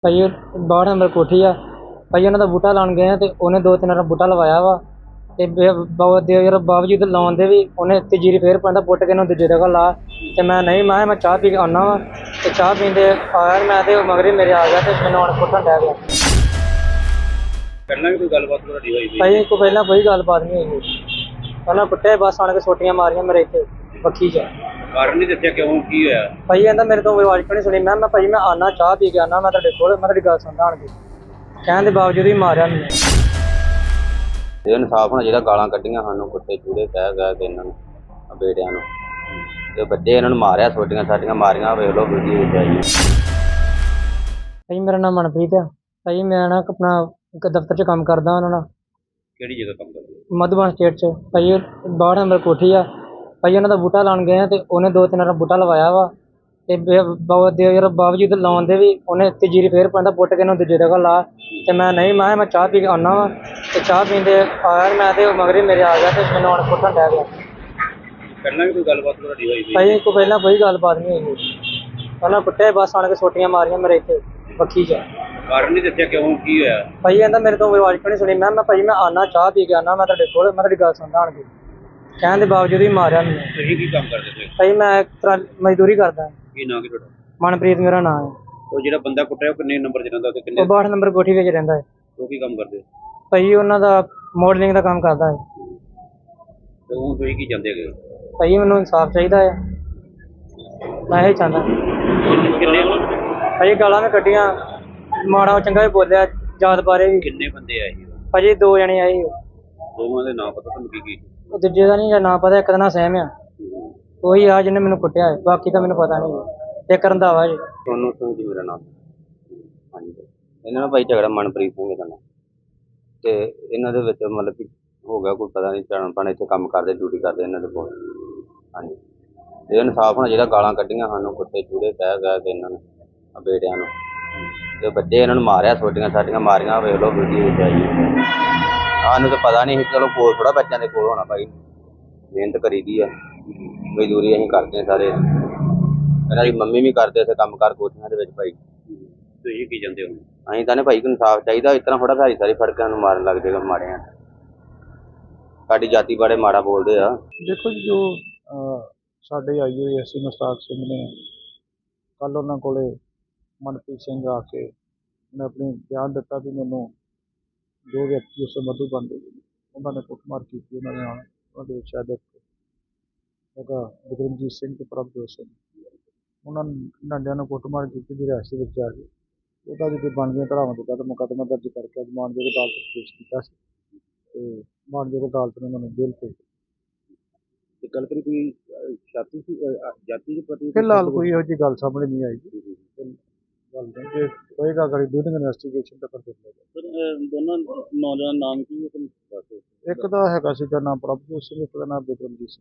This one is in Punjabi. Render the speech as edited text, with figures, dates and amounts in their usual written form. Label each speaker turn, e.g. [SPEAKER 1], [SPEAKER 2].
[SPEAKER 1] ਭਾਈ 62 ਨੰਬਰ ਕੋਠੀ ਆ ਭਾਈ। ਉਹਨਾਂ ਦਾ ਬੂਟਾ ਲਾਉਣ ਗਏ ਆ ਤੇ ਉਹਨੇ 2-3 ਵਾਰ ਬੂਟਾ ਲਵਾਇਆ ਵਾ ਤੇ ਬਾਵਜੂਦ ਲਾਉਣ ਦੇ ਵੀ ਉਹਨੇ ਤੀਜੀ ਫੇਰ ਪਾਉਂਦਾ ਪੁੱਟ ਕੇ ਇਹਨੂੰ ਦੂਜੀ ਜਗ੍ਹਾ ਲਾ। ਤੇ ਮੈਂ ਨਹੀਂ, ਮੈਂ ਚਾਹ ਪੀ ਕੇ ਆਉਣਾ ਵਾ ਤੇ ਚਾਹ ਪੀਂਦੇ ਆਇਆ ਮੈਂ ਤੇ ਮਗਰ ਮੇਰੇ ਆ ਗਿਆ ਤੇ ਮੈਨੂੰ ਹੁਣ ਪੁੱਟਣ ਡੈ ਗਿਆ।
[SPEAKER 2] ਪਹਿਲਾਂ ਵੀ ਕੋਈ ਗੱਲਬਾਤ ਤੁਹਾਡੀ ਹੋਈ ਸੀ?
[SPEAKER 1] ਭਾਈ ਕੋਈ ਪਹਿਲਾਂ ਕੋਈ ਗੱਲਬਾਤ ਨਹੀਂ ਹੋਈ। ਪਹਿਲਾਂ ਕੁੱਟਿਆ ਬਸ ਆਣ ਕੇ ਸੋਟੀਆਂ ਮਾਰੀਆਂ ਮੇਰੇ ਇੱਥੇ ਬੱਖੀ 'ਚ।
[SPEAKER 2] ਕਾਰਨ ਨਹੀਂ ਦੱਸਿਆ ਕਿਉਂ, ਕੀ ਹੋਇਆ?
[SPEAKER 1] ਭਾਈ ਕਹਿੰਦਾ ਮੇਰੇ ਤੋਂ ਆਵਾਜ਼ ਕਿਉਂ ਨਹੀਂ ਸੁਣੀ। ਮੈਂ ਭਾਈ ਮੈਂ ਆਉਣਾ ਚਾਹ ਪੀ ਕੇ ਆਉਣਾ, ਮੈਂ ਤੁਹਾਡੇ ਕੋਲ, ਮੈਂ ਤੁਹਾਡੀ ਗੱਲ ਸੁਣਦਾ ਆਣ ਕੇ। ਕਹਿਣ ਦੇ ਬਾਵਜੂਦ ਵੀ ਮਾਰਿਆ ਮੈਨੂੰ।
[SPEAKER 3] ਇਹ ਇਨਸਾਫ ਹੋਣਾ ਚਾਹੀਦਾ। ਗਾਲਾਂ ਕੱਢੀਆਂ ਸਾਨੂੰ, ਕੁੱਤੇ ਚੂੜੇ ਕਹਿ ਕੇ ਇਹਨਾਂ ਨੂੰ, ਬੇਟਿਆਂ ਨੂੰ, ਤੇ ਬੱਚੇ ਇਹਨਾਂ ਨੂੰ ਮਾਰਿਆ, ਸੋਟੀਆਂ ਸਾਟੀਆਂ ਮਾਰੀਆਂ। ਵੇਖ ਲਓ ਵੀਡੀਓ ਵਿੱਚ ਆਈ।
[SPEAKER 1] ਭਾਈ ਮੇਰਾ ਨਾਮ ਮਨਪ੍ਰੀਤ ਆ ਭਾਈ। ਮੈਂ ਨਾ ਆਪਣਾ ਇੱਕ ਦਫ਼ਤਰ 'ਚ ਕੰਮ ਕਰਦਾ ਉਹਨਾਂ ਨਾਲ।
[SPEAKER 2] ਕਿਹੜੀ ਜਗ੍ਹਾ ਕੰਮ ਕਰਦੇ ਹੋ?
[SPEAKER 1] ਮਧੂਬਨ ਸਟੇਟ 'ਚ ਭਾਈ। 62 ਨੰਬਰ ਕੋਠੀ ਆ ਭਾਈ। ਉਹਨਾਂ ਦਾ ਬੂਟਾ ਲਾਉਣ ਗਏ ਆ ਤੇ ਉਹਨੇ 2-3 ਵਾਰ ਬੂਟਾ ਲਵਾਇਆ ਵਾ ਤੇ ਬਾਵਜੂਦ ਲਾਉਣ ਦੇ ਵੀ ਉਹਨੇ ਤੀਜੀ ਫੇਰ ਪਾਉਂਦਾ ਪੁੱਟ ਕੇ ਇਹਨੂੰ ਦੂਜੀ ਜਗ੍ਹਾ ਲਾ। ਤੇ ਮੈਂ ਨਹੀਂ, ਮੈਂ ਚਾਹ ਪੀ ਕੇ ਆਉਣਾ ਵਾ ਤੇ ਚਾਹ ਪੀਂਦੇ ਆਇਆ ਮੈਂ ਤੇ ਮਗਰ ਮੇਰੇ ਆ ਗਿਆ ਤੇ ਮੈਨੂੰ ਹੁਣ ਪੁੱਟਣ ਡੈ ਗਿਆ।
[SPEAKER 2] ਪਹਿਲਾਂ ਵੀ ਕੋਈ ਗੱਲਬਾਤ ਤੁਹਾਡੀ ਹੋਈ ਸੀ?
[SPEAKER 1] ਭਾਈ ਕੋਈ ਪਹਿਲਾਂ ਕੋਈ ਗੱਲਬਾਤ ਨਹੀਂ ਹੋਈ। ਉਹਨਾਂ ਕੁੱਟਿਆ ਬਸ ਆਣ ਕੇ ਸੋਟੀਆਂ ਮਾਰੀਆਂ ਮੇਰੇ ਇੱਥੇ ਬੱਖੀ 'ਚ।
[SPEAKER 2] ਕਾਰਨ ਨਹੀਂ ਦੱਸਿਆ ਕਿਉਂ, ਕੀ ਹੋਇਆ?
[SPEAKER 1] ਭਾਈ ਕਹਿੰਦਾ ਮੇਰੇ ਤੋਂ ਆਵਾਜ਼ ਕਿਉਂ ਨਹੀਂ ਸੁਣੀ। ਮੈਂ ਭਾਈ ਮੈਂ ਆਉਣਾ ਚਾਹ ਪੀ ਕੇ ਆਉਣਾ, ਮੈਂ ਤੁਹਾਡੇ ਕੋਲ, ਮੈਂ ਤੁਹਾਡੀ ਗੱਲ ਸੁਣਦਾ ਆਣ ਕੇ। ਕਹਿਣ ਦੇ ਬਾਵਜੂਦ ਵੀ ਮਾਰਿਆ ਮੈਨੂੰ।
[SPEAKER 2] ਤੁਸੀਂ ਕੀ ਕੰਮ ਕਰਦੇ ਸੀ?
[SPEAKER 1] ਭਾਈ ਮੈਂ ਇੱਕ ਤਰ੍ਹਾਂ ਮਜ਼ਦੂਰੀ ਕਰਦਾ।
[SPEAKER 2] ਕੀ ਨਾਂ ਕੀ ਤੁਹਾਡਾ?
[SPEAKER 1] ਮਨਪ੍ਰੀਤ ਮੇਰਾ ਨਾਮ ਹੈ।
[SPEAKER 2] ਉਹ ਜਿਹੜਾ ਬੰਦਾ ਕੁੱਟਿਆ ਉਹ ਕਿੰਨੇ ਨੰਬਰ 'ਚ ਰਹਿੰਦਾ ਤੇ ਕਿੰਨੇ?
[SPEAKER 1] ਉਹ 62 ਨੰਬਰ ਕੋਠੀ ਵਿੱਚ ਰਹਿੰਦਾ ਹੈ।
[SPEAKER 2] ਉਹ ਕੀ ਕੰਮ ਕਰਦੇ?
[SPEAKER 1] ਭਾਈ ਉਹਨਾਂ ਦਾ ਮੋਡਲਿੰਗ ਦਾ ਕੰਮ ਕਰਦਾ ਹੈ।
[SPEAKER 2] ਤੇ ਉਹ ਤੁਸੀਂ ਕੀ ਚਾਹੁੰਦੇ ਹੈਗੇ?
[SPEAKER 1] ਭਾਈ ਮੈਨੂੰ ਇਨਸਾਫ ਚਾਹੀਦਾ ਹੈ, ਮੈਂ ਇਹ ਚਾਹੁੰਦਾ।
[SPEAKER 2] ਕਿੰਨੇ
[SPEAKER 1] ਭਾਈ ਗਾਲਾਂ ਮੈਂ ਕੱਢੀਆਂ, ਮਾੜਾ ਚੰਗਾ ਵੀ ਬੋਲਿਆ, ਜਾਤ ਬਾਰੇ ਵੀ।
[SPEAKER 2] ਕਿੰਨੇ ਬੰਦੇ ਆਏ ਸੀ?
[SPEAKER 1] ਭਾਜੀ 2 ਜਣੇ ਆਏ ਸੀ।
[SPEAKER 2] ਦੋਵਾਂ ਦੇ ਨਾਂ ਪਤਾ ਤੁਹਾਨੂੰ? ਕੀ
[SPEAKER 1] ਉਹ ਦੂਜੇ ਦਾ ਨਹੀਂ ਨਾਂ ਪਤਾ, ਇੱਕ ਦਾ ਨਾਂ ਸਹਿਮ ਆ, ਉਹੀ ਆ ਜਿਹਨੇ ਮੈਨੂੰ ਕੁੱਟਿਆ ਹੈ। ਬਾਕੀ ਤਾਂ ਮੈਨੂੰ ਪਤਾ ਨਹੀਂ। ਇੱਕ ਰੰਧਾਵਾ ਜੀ।
[SPEAKER 3] ਸੋਨੂੰ ਸਿੰਘ ਜੀ ਮੇਰਾ ਨਾਮ। ਹਾਂਜੀ, ਇਹਨਾਂ ਦਾ ਭਾਈ ਝਗੜਾ ਮਨਪ੍ਰੀਤ ਸਿੰਘ ਦਾ ਨਾਮ। ਤੇ ਇਹਨਾਂ ਦੇ ਵਿੱਚ ਮਤਲਬ ਕਿ ਹੋ ਗਿਆ ਕੋਈ ਪਤਾ ਨਹੀਂ, ਜਾਣ ਇੱਥੇ ਕੰਮ ਕਰਦੇ, ਡਿਊਟੀ ਕਰਦੇ ਇਹਨਾਂ ਦੇ ਕੋਲ। ਹਾਂਜੀ, ਇਹ ਇਨਸਾਫ ਹੋਣਾ ਚਾਹੀਦਾ। ਗਾਲਾਂ ਕੱਢੀਆਂ ਸਾਨੂੰ, ਕੁੱਤੇ ਚੂੜੇ ਕਹਿ ਕੇ ਇਹਨਾਂ ਨੂੰ, ਬੇਟਿਆਂ ਨੂੰ, ਤੇ ਬੱਚੇ ਇਹਨਾਂ ਨੂੰ ਮਾਰਿਆ, ਸੋਟੀਆਂ ਸਾਟੀਆਂ ਮਾਰੀਆਂ। ਵੇਖ ਲਓ ਵੀਡੀਓ ਵਿੱਚ ਆਈ। ਸਾਨੂੰ ਤਾਂ ਪਤਾ ਨਹੀਂ ਸੀ। ਚਲੋ ਕੋਲ ਥੋੜ੍ਹਾ ਬੱਚਿਆਂ ਦੇ ਕੋਲ ਹੋਣਾ ਭਾਈ, ਮਿਹਨਤ ਕਰੀ ਦੀ ਆ, ਮਜ਼ਦੂਰੀ ਅਸੀਂ ਕਰਦੇ ਹਾਂ ਸਾਰੇ। ਇਹਨਾਂ ਦੀ ਮੰਮੀ ਵੀ ਕਰਦੇ ਇੱਥੇ ਕੰਮ ਕਾਰ ਕੋਠੀਆਂ ਦੇ ਵਿੱਚ ਭਾਈ।
[SPEAKER 2] ਤੁਸੀਂ ਕੀ ਚਾਹੁੰਦੇ ਹੋ?
[SPEAKER 3] ਅਸੀਂ ਤਾਂ ਨੇ ਭਾਈ ਇਨਸਾਫ ਚਾਹੀਦਾ। ਇਸ ਤਰ੍ਹਾਂ ਥੋੜ੍ਹਾ ਸਾਰੀ ਫੜ ਕੇ ਸਾਨੂੰ ਮਾਰਨ ਲੱਗ ਜਾਏਗਾ ਮਾੜਿਆਂ। ਸਾਡੀ ਜਾਤੀ ਬਾਰੇ ਮਾੜਾ ਬੋਲਦੇ ਆ।
[SPEAKER 4] ਦੇਖੋ ਜੀ, ਜੋ ਸਾਡੇ IAS ਮੁਸਤਾਕ ਸਿੰਘ ਨੇ ਕੱਲ੍ਹ ਉਹਨਾਂ ਕੋਲੇ ਮਨਪ੍ਰੀਤ ਸਿੰਘ ਆ ਕੇ ਉਹਨੇ ਆਪਣੀ ਬਿਆਨ ਦਿੱਤਾ ਵੀ ਮੈਨੂੰ 2 ਵਿਅਕਤੀ ਉਸ ਮਧੂਬਨ ਦੇ ਉਹਨਾਂ ਨੇ ਕੁੱਟਮਾਰ ਕੀਤੀ। ਉਹਨਾਂ ਨੇ ਉਹਨਾਂ ਦੇ ਵਿੱਚ ਸ਼ਾਇਦ ਹੈਗਾ ਵਿਕਰਮਜੀਤ ਸਿੰਘ ਤੇ ਪ੍ਰਭਜੋਤ ਸਿੰਘ। ਉਹਨਾਂ ਡਾਂਡਿਆਂ ਨੂੰ ਕੁੱਟਮਾਰ ਕੀਤੀ ਦੀ ਰਿਹਾਇਸ਼ ਵਿੱਚ ਆ ਕੇ ਉਹਦਾ ਜਿਹੜੀ ਬਣਦੀਆਂ ਧਾਰਾਵਾਂ ਦੇ ਤਹਿਤ ਮੁਕੱਦਮਾ ਦਰਜ ਕਰਕੇ ਅੱਜ ਮਾਨਯੋਗ ਅਦਾਲਤ ਵਿੱਚ ਪੇਸ਼ ਕੀਤਾ ਸੀ ਤੇ ਮਾਨਯੋਗ ਅਦਾਲਤ ਨੇ ਉਹਨਾਂ ਨੂੰ ਜੇਲ੍ਹ ਭੇਜ ਦਿੱਤਾ।
[SPEAKER 2] ਤੇ ਗੱਲ ਕਰੀ ਕੋਈ ਜਾਤੀ ਦੇ ਪ੍ਰਤੀ?
[SPEAKER 4] ਫਿਲਹਾਲ ਕੋਈ ਇਹੋ ਜਿਹੀ ਗੱਲ ਸਾਹਮਣੇ ਨਹੀਂ ਆਈ ਜੀ। ਗੱਲ ਜੇ ਹੋਏਗਾ ਅਗਰ ਡਿਊਰਿੰਗ ਇਨਵੈਸਟੀਗੇਸ਼ਨ ਤਾਂ ਫਿਰ ਦੇਖ ਲਏਗਾ।
[SPEAKER 2] ਦੋਨਾਂ ਨੌਜਵਾਨ ਨਾਮ ਕੀ ਹੈ ਤੁਹਾਨੂੰ ਦੱਸੋ?
[SPEAKER 4] ਇੱਕ ਦਾ ਹੈਗਾ ਸੀਗਾ ਨਾਮ ਪ੍ਰਭਜੋਤ ਸਿੰਘ, ਇੱਕ ਦਾ ਨਾਮ ਵਿਕਰਮਜੀਤ ਸਿੰਘ।